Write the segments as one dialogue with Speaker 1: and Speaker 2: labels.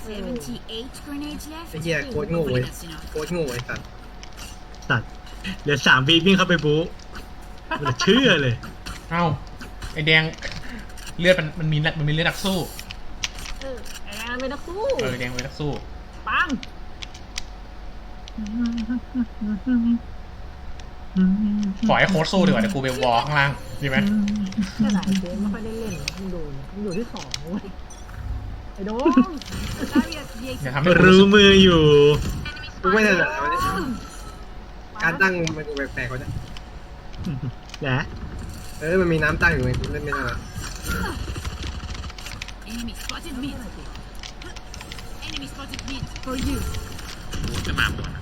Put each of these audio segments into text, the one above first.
Speaker 1: 78 grenades
Speaker 2: ไอ้
Speaker 1: left.
Speaker 2: เหี้ยโคตรโง่เว้ย
Speaker 1: That's enough.
Speaker 2: โคตรโง่ไอ้สัตว์
Speaker 3: สัตว์เดี๋ยว3 วิวิ่งเข้าไปบู๊มันจะเชื่อเลย
Speaker 4: เอ้าไอแดงเลือดมันมีเลือดนักสู้
Speaker 5: ไอ้แดงเป็นนักสู้
Speaker 4: แดงเป็นนักสู้
Speaker 5: ปัง
Speaker 4: ขอให้โค้ดสู้ดีกว่าเดี๋ยวกูไปวอลข้างล่างดีไหม
Speaker 5: ขนาดเกมไม่ค่อยได้เล่นมึงดูมึงอยู่ที่2เว้ยไอ้โดม
Speaker 1: Barrier
Speaker 4: อย่า
Speaker 1: created.
Speaker 4: ทำให้กู
Speaker 3: รู้
Speaker 4: รู้สึก
Speaker 3: มืออยู่
Speaker 2: กูไม่ถนัดเอาเนี่ยการตั้งมันกูแปลกๆเขาจะ
Speaker 3: แหละ
Speaker 2: มันมีน้ำตั้งอยู่ไงกูเล่นไม่ถนัด
Speaker 1: Enemy spotted mid. Enemy spotted mid. For you.
Speaker 6: จะมาหมด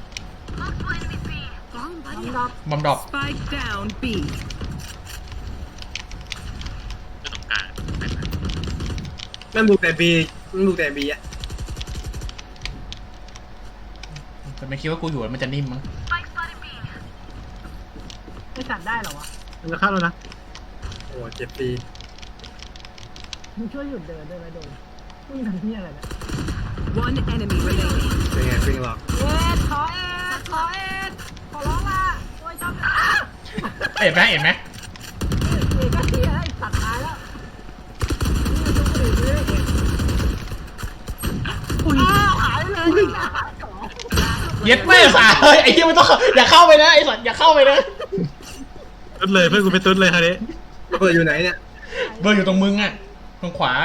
Speaker 1: Bomb
Speaker 5: น้ำ
Speaker 1: barrier.
Speaker 5: ดับ
Speaker 4: บอมดอก
Speaker 7: Spike down B.
Speaker 6: ก็ต้องการ
Speaker 2: มันบุกแต่บีมันบุกแต่บีอะ
Speaker 4: แต่ไม่คิดว่ากูอยู่แล้วมันจะนิ่มมั้ง
Speaker 5: ไม่จัดได้เหรอวะ
Speaker 3: มันจะเข้าแล้วนะ
Speaker 2: โอ้เจ็บตี
Speaker 5: มึงช่วยหยุดเดินได้ไหมโดมมึงทำที่อะไรเนี่ย
Speaker 7: One enemy remaining.
Speaker 2: เป็นไงฟิงหรอก
Speaker 5: เอ็ดขอเอ็ดขอเอ็ดขอร้องละโอ้ยจำอ้า
Speaker 4: เห็นไหมเห็นไหม
Speaker 5: เอ็ดก็เสียไอ้สัตว์ตายแล้วนี่มันจะอื่นเลยอ้าวหายเลย
Speaker 4: เย็ดไม่สาเฮ้ยไอ้เหี้ยไม่ต้องอย่าเข้าไปนะไอ้สัตว์อย่าเข้าไปนะ
Speaker 3: ตุ๊ดเลยเพื่อนกูไปตุ๊ดเลยคราวนี้
Speaker 2: ระเบิดอยู่ไหนเนี่ย
Speaker 4: เบอร์อยู่ตรงมึงอ่ะตรงขวา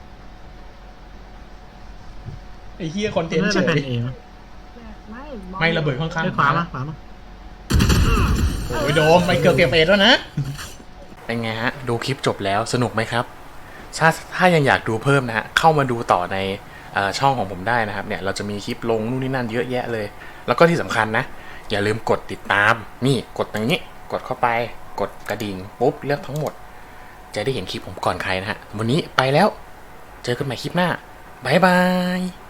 Speaker 4: ไอ้เหี้ยคอนเทนต์
Speaker 3: น่า
Speaker 4: เฉ
Speaker 3: จะเป็น
Speaker 4: ย
Speaker 3: เอง
Speaker 4: ไม่ระเบิดข้างๆ
Speaker 3: ไปขวามาขวามา
Speaker 4: โอ้ยโดมไปเกือบเก็บเอ็ดแล้วนะ
Speaker 8: เป็นไงฮะ ดูคลิปจบแล้วสนุกไหมครับ ถ้ายังอยากดูเพิ่มนะฮะ เข้ามาดูต่อในช่องของผมได้นะครับเนี่ยเราจะมีคลิปลงนู่นนี่นั่นเยอะแยะเลย แล้วก็ที่สำคัญนะ อย่าลืมกดติดตามนี่กดตรงนี้กดเข้าไปกดกระดิ่งปุ๊บเลือกทั้งหมด จะได้เห็นคลิปผมก่อนใครนะฮะวันนี้ไปแล้วเจอกันใหม่คลิปหน้าบ๊ายบาย